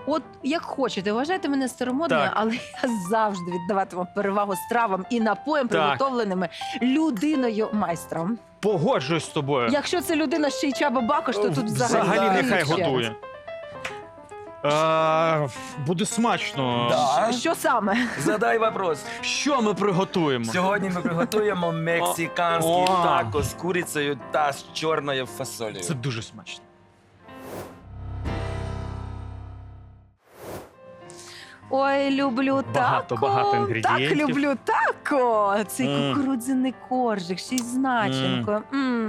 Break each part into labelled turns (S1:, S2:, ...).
S1: От як хочете, вважайте мене старомодною,
S2: Так.
S1: але я завжди віддаватиму перевагу стравам і напоям,
S2: Так.
S1: приготовленими людиною-майстром.
S2: Погоджуюсь з тобою.
S1: Якщо це людина ще й Чаба Бакош, то тут взагалі
S2: нехай
S1: ще.
S2: готує. Буде смачно.
S3: Да.
S1: Що саме?
S3: Задай вопрос.
S2: Що ми приготуємо?
S3: Сьогодні ми приготуємо мексиканський
S2: О.
S3: тако з курицею та з чорною фасолею.
S2: Це дуже смачно.
S1: Ой, люблю тако.
S2: Багато інгредієнтів.
S1: Так люблю тако. Цей
S2: Мм.
S1: кукурудзяний коржик, ще й з начинкою.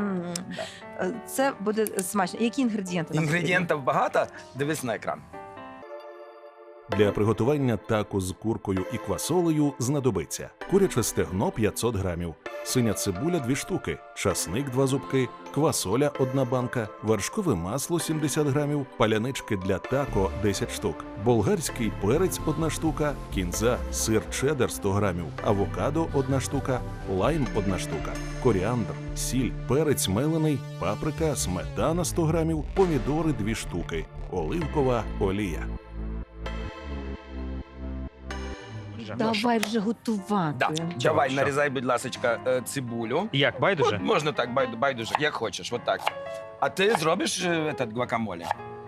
S1: Це буде смачно. Які інгредієнти? нам
S3: Інгредієнтів багато, дивись на екран.
S4: Для приготування тако з куркою і квасолею знадобиться куряче стегно 500 грамів, синя цибуля 2 штуки, часник 2 зубки, квасоля 1 банка, вершкове масло 70 грамів, палянички для тако 10 штук, болгарський перець 1 штука, кінза, сир чеддер 100 грамів, авокадо 1 штука, лайм 1 штука, коріандр, сіль, перець мелений, паприка, сметана 100 грамів, помідори 2 штуки, оливкова олія.
S1: Давай вже готувати.
S3: Да.
S2: Давай,
S3: Давай,
S2: що?
S3: нарізай, будь ласка, цибулю.
S2: Як, байдуже?
S3: От можна так, байдуже, як хочеш, от так. А ти зробиш этот гуакамоле?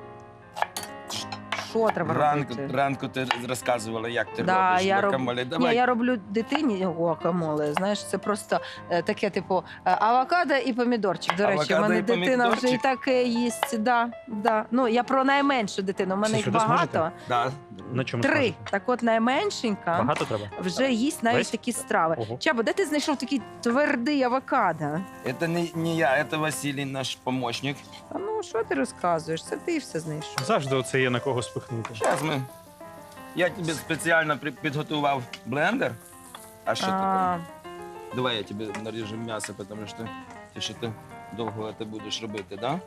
S1: Що треба робити?
S3: Ранку ти розказувала, як ти
S1: Да,
S3: робиш
S1: я
S3: гуакамоле.
S1: Ні,
S3: Давай.
S1: я роблю дитині гуакамоле. Знаєш, це просто таке, типу, авокадо і помідорчик. До речі, в
S3: Авокадо
S1: мене
S3: і
S1: дитина вже і
S3: помідорчик?
S1: таке їсть. Да. Ну, я про найменшу дитину. У мене
S2: Це
S1: їх
S2: що, ви
S1: багато.
S2: смажите?
S3: Да.
S2: На чому
S1: 3.
S2: смажете?
S1: Так от найменшенька
S2: Багато треба?
S1: вже їсть навіть
S2: Весь?
S1: такі страви.
S2: Ого.
S1: Чабо, де ти знайшов такий твердий авокадо?
S3: Это не я, это Василий, наш помощник.
S1: А ну, що ти розказуєш? Це ти все знайшов.
S2: Завжди оце є на кого спихнути.
S3: Зараз ми. Я тобі спеціально підготував блендер. А що
S1: А,
S3: ти? Давай я тобі наріжу м'ясо, тому що ти довго це будеш робити, да?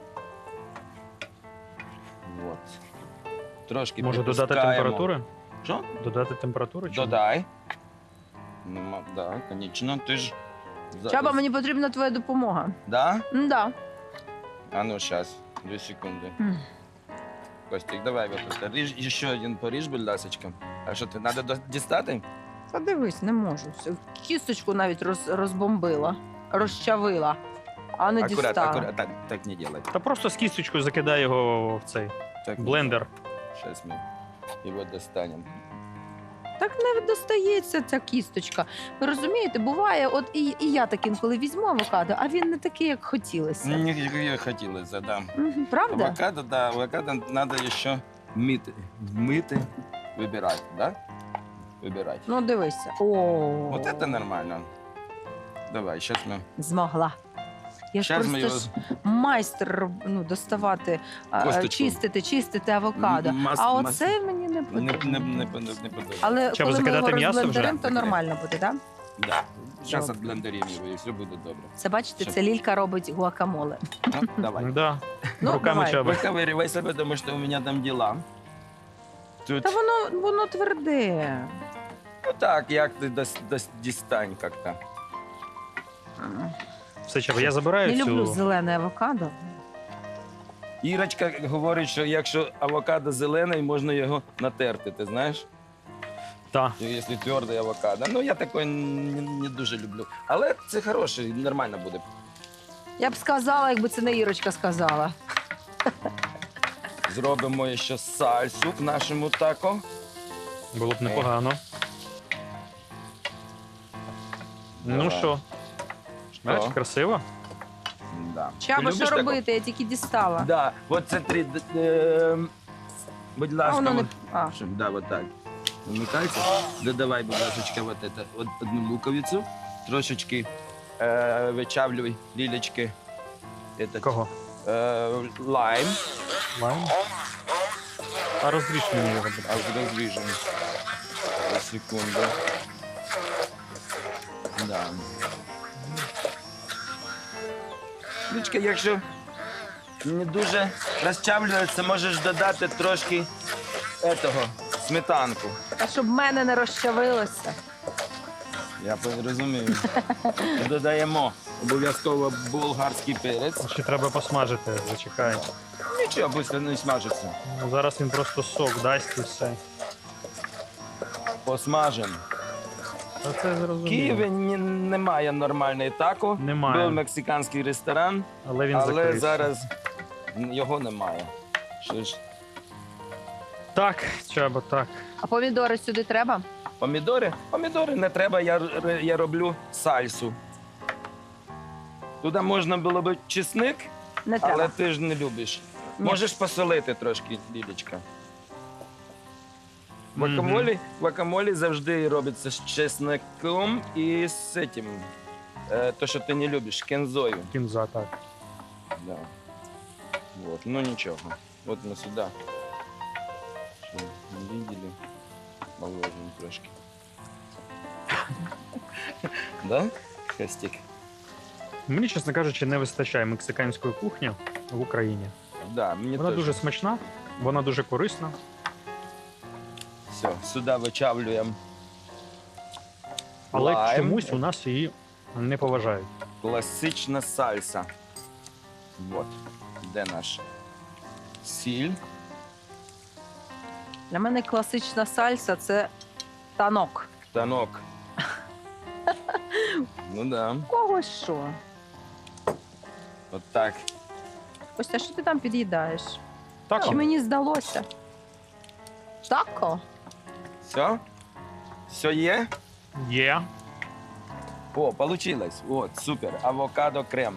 S3: Вот. Трошки
S2: Може додати
S3: підпускаємо.
S2: температури?
S3: Що?
S2: Додати температуру? чи ні?
S3: Додай. Ну, да, звісно, ти ж...
S1: Чаба, мені потрібна твоя допомога.
S3: Да?
S1: Да.
S3: А ну, зараз, 2 секунди.
S1: М.
S3: Костик, давай вот это. Ріж, ще один поріж, будь ласочка. А що, ти, треба дістати?
S1: Та дивись, не можу. Кісточку навіть розбомбила, розчавила, а не дістала.
S3: Аккурат, так не делай.
S2: Та просто з кісточкою закидай його в цей
S3: Так,
S2: блендер.
S3: Сейчас мы его достанем.
S1: Так не достається ця кісточка. Ви розумієте, буває, от і я так інколи візьму авокадо, а він не такий, як хотілося.
S3: Не хотілося, да.
S1: Мгм, правда?
S3: Авокадо, да, авокадо надо еще мыты, выбирать, да? Выбирать.
S1: Ну, дивися. О,
S3: Вот это нормально. Давай, сейчас мы...
S1: змогла. Я ж
S3: Щас ми
S1: просто ж майстер доставати,
S3: Косточку.
S1: чистити авокадо. А оце мені не потрібно.
S3: Не подобається.
S1: Але
S2: Треба
S1: коли ми його
S2: закидати м'ясо вже?
S1: розблендеримо, то нормально буде, так? Да?
S3: Да. Сейчас
S1: Добре.
S3: отблендерим его, и все буде добре.
S1: Це бачите,
S3: Що?
S1: це Лілька робить гуакамоле.
S3: Ну, давай.
S2: Да.
S1: Ну,
S2: Руками
S1: давай.
S2: чаби.
S3: Выковыривай себе, потому что у меня там дела. Тут,
S1: Та воно тверде.
S3: ну так, як ти дістань як-то.
S2: Все, чаба, я забираю
S1: Не люблю
S2: цю...
S1: зелене авокадо.
S3: Ірочка говорить, що якщо авокадо зелений, можна його натерти, ти знаєш?
S2: Та.
S3: Якщо твердий авокадо. Ну, я такий не дуже люблю. Але це хороше, нормально буде.
S1: Я б сказала, якби це не Ірочка сказала.
S3: Зробимо ще сальсу к нашому тако.
S2: Було б непогано. Ну
S3: Давай.
S2: що? Бачиш, красиво?
S3: Да.
S1: Чаба,
S3: Ти
S1: що
S3: любиш тако?
S1: робити? Я тільки дістала.
S3: Да, от це три. Будь
S1: А
S3: ласка,
S1: воно не...
S3: от,
S1: А.
S3: да, вот так. Вмикається. Додавай, будь ласка, вот это, одну луковицю. Трошечки вичавлюй лілечки. Этот,
S2: Кого?
S3: лайм.
S2: Лайм? А розріж мені його, будь
S3: А
S2: ласка.
S3: розріжемо. Секунду. Да. Лічка, якщо не дуже розчавлюється, можеш додати трошки етого, сметанку.
S1: А щоб в мене не розчавилося.
S3: Я розумію. І додаємо обов'язково болгарський перець.
S2: Ще треба посмажити, зачекай.
S3: Чи швидко не смажиться?
S2: Ну, зараз він просто сок дасть і все.
S3: Посмажемо.
S2: Та це
S3: В
S2: зрозуміло.
S3: Києві немає нормальної тако.
S2: Немає.
S3: Був мексиканський ресторан,
S2: Але він
S3: але
S2: закрився.
S3: зараз його немає. Що ж,
S2: Так, Чаба, так.
S1: А помідори сюди треба?
S3: помідори? Помідори не треба, я роблю сальсу. Туди можна було б чесник,
S1: Не
S3: але
S1: треба.
S3: ти ж не любиш.
S1: Ні.
S3: Можеш посолити трошки, Лілечка.
S2: Мгм.
S3: Гуакамолі завжди робиться з чесником і з цим, то, що ти не любиш, кензою.
S2: Кінза, так.
S3: Да. Вот, ну ничего. Вот мы сюда. Что, не видели? Положим трошки. Да, Костик?
S2: Мені, чесно кажучи, не вистачає мексиканської кухні в Україні.
S3: Да, мне
S2: Вона
S3: тоже.
S2: дуже смачна, вона дуже корисна.
S3: Все, сюда вичавлюємо
S2: Але
S3: лайм.
S2: чомусь у нас її не поважають.
S3: Класична сальса. Вот. Де наш сіль?
S1: Для мене класична сальса це танок.
S3: Танок. Ну да.
S1: Кого що?
S3: От так.
S1: Костя, що ти там під'їдаєш?
S2: Так,
S1: Чи мені здалося? Тако?
S3: Все? Все є?
S2: є.
S3: О, получилось. Вот, супер. Авокадо крем.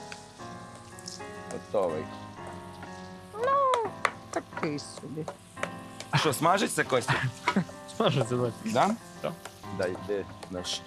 S3: Готовий.
S1: Такий собі.
S3: А що, смажиться, Костя?
S2: Смажиться, так.
S3: Да?
S2: Так.
S3: Дай, де наш.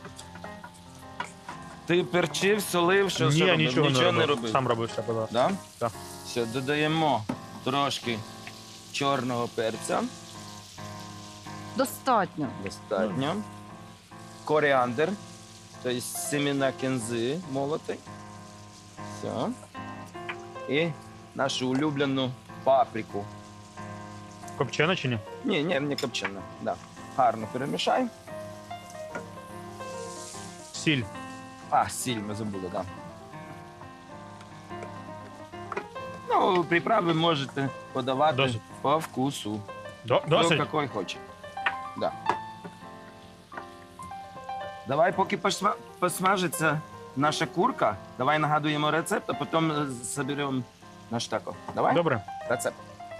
S3: Ти перчив, солив, що
S2: Ні,
S3: робив?
S2: нічого не робив.
S3: робив.
S2: Сам робив все, будь ласка.
S3: Да?
S2: Так.
S3: Все, додаємо трошки чорного перця.
S1: Достатньо.
S3: Достатньо. Коріандр, тобто семена кінзи молотий. Все. І нашу улюблену паприку.
S2: Копчена чи ні?
S3: Ні, не копчена. Да. Гарно перемішай.
S2: Сіль.
S3: А, сіль ми забули, так. Да. Ну, приправи можете подавати
S2: Досить.
S3: по вкусу. Хто
S2: Досить?
S3: який хоче. Да. Давай, поки посмажиться наша курка, давай нагадуємо рецепт, а потім зберемо наш тако. Давай?
S2: Добре.
S3: Рецепт.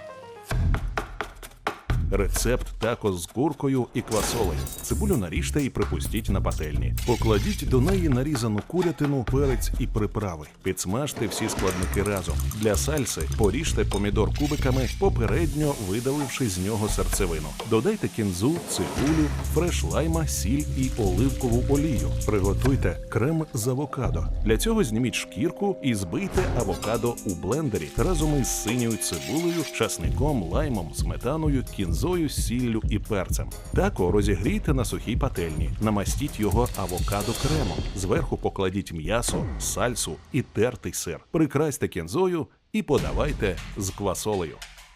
S4: Рецепт тако з куркою і квасолею. Цибулю наріжте і припустіть на пательні. Покладіть до неї нарізану курятину, перець і приправи. Підсмажте всі складники разом. Для сальси поріжте помідор кубиками, попередньо видаливши з нього серцевину. Додайте кінзу, цибулю, фреш лайма, сіль і оливкову олію. Приготуйте крем з авокадо. Для цього зніміть шкірку і збийте авокадо у блендері разом із синьою цибулею, часником, лаймом, сметаною, кінзою, сіллю і перцем. Тако розігрійте на сухій пательні. Намастіть його авокадо кремом. Зверху покладіть м'ясо, сальсу і тертий сир. Прикрасьте кінзою і подавайте з квасолею.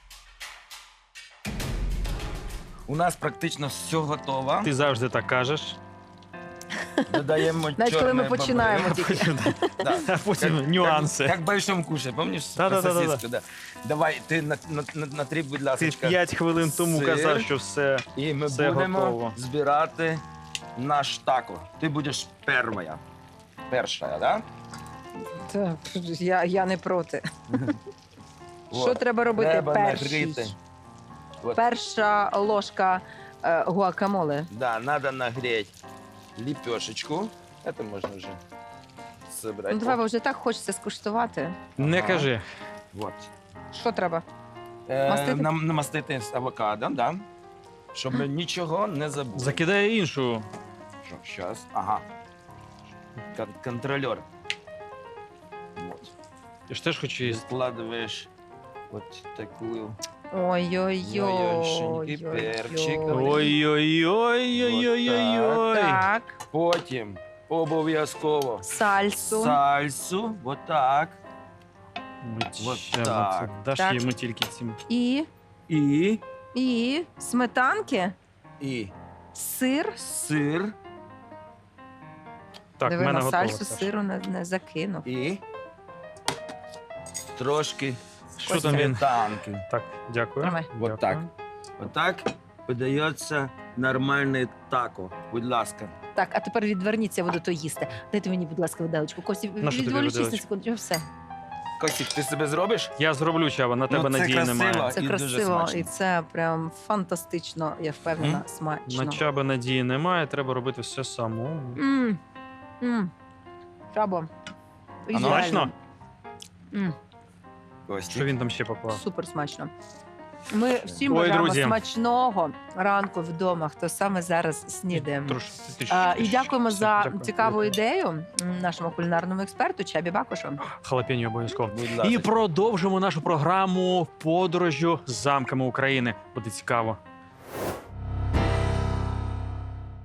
S3: У нас практично все готово.
S2: Ти завжди так кажеш.
S3: Додаємо
S1: Навіть коли ми
S3: чорне
S1: починаємо
S3: бобри.
S1: тільки.
S3: Да.
S2: А потім нюанси.
S3: Як в большом куші, пам'ятаєш?
S2: Да-да-да-да-да.
S3: Сосиску, да. Давай, ти натрі, будь
S2: Ти
S3: ласка.
S2: 5 хвилин тому
S3: сир.
S2: казав, що все.
S3: І ми
S2: Все
S3: будемо
S2: готово.
S3: збирати наш тако. Ти будеш перша. Перша, да?
S1: Та, я не проти.
S3: Вот.
S1: Що треба робити
S3: Треба
S1: перший?
S3: нагріти. Вот.
S1: Перша ложка гуакамоле.
S3: Да, надо нагреть лепешечку. Это можно уже собрать.
S1: Ну, давай, бо вже так хочеться скуштувати.
S2: Не
S3: Ага.
S2: кажи.
S3: Вот.
S1: Що треба? Мастити?
S3: Намастити з авокадо, да. Щоб нічого не забули.
S2: Закидає іншу.
S3: Що, щас. Ага. Контролер. Вот.
S2: Я ж теж хочу
S3: И
S2: їсти.
S3: складываешь вот такую.
S1: Ой-ой-ой.
S3: перчик.
S2: Ой-ой-ой-ой-ой-ой.
S1: Так,
S3: Потім обов'язково
S1: сальсу.
S3: сальсу. Вот так. Вот
S2: Чаба,
S3: так.
S2: це Даш
S1: Так.
S2: йому тільки цим.
S1: І
S3: І
S1: сметанки, сир.
S3: сир.
S2: Так, в
S1: Диви,
S2: мене
S1: на
S2: готово.
S1: сальсу
S2: Саш.
S1: сиру не закинув.
S3: І трошки
S2: Що там він?
S3: Сметанки.
S2: Так, дякую.
S1: Тримай.
S3: Вот так. Отак подається нормальне тако. Будь ласка.
S1: Так, а тепер відверніться, я буду то їсти. Дайте мені, будь ласка, виделочку. Кості,
S2: На що тобі
S1: відволічись на
S2: виделочку?
S1: секунду. Все.
S3: Костік, ти себе зробиш?
S2: Я зроблю, Чаба, на тебе
S3: це
S2: надії
S3: красиво.
S2: немає.
S1: Це
S3: І дуже
S1: красиво,
S3: смачно.
S1: і це прям фантастично, я впевнена, смачно.
S2: На Чаби надії немає, треба робити все самому.
S1: М. М. Чабо. Ідеально.
S2: Смачно?
S1: М.
S3: Костік.
S2: Що він там ще поклав?
S1: Супер смачно. Ми всім
S2: Ой,
S1: бажаємо
S2: друзі.
S1: смачного ранку вдома, хто саме зараз снідає. І дякуємо за
S2: Дякую.
S1: цікаву ідею нашому кулінарному експерту Чабі Бакушу.
S2: Халапеньо обов'язково.
S3: Будь
S2: І
S3: ласка.
S2: продовжимо нашу програму подорожю замками України. Буде цікаво.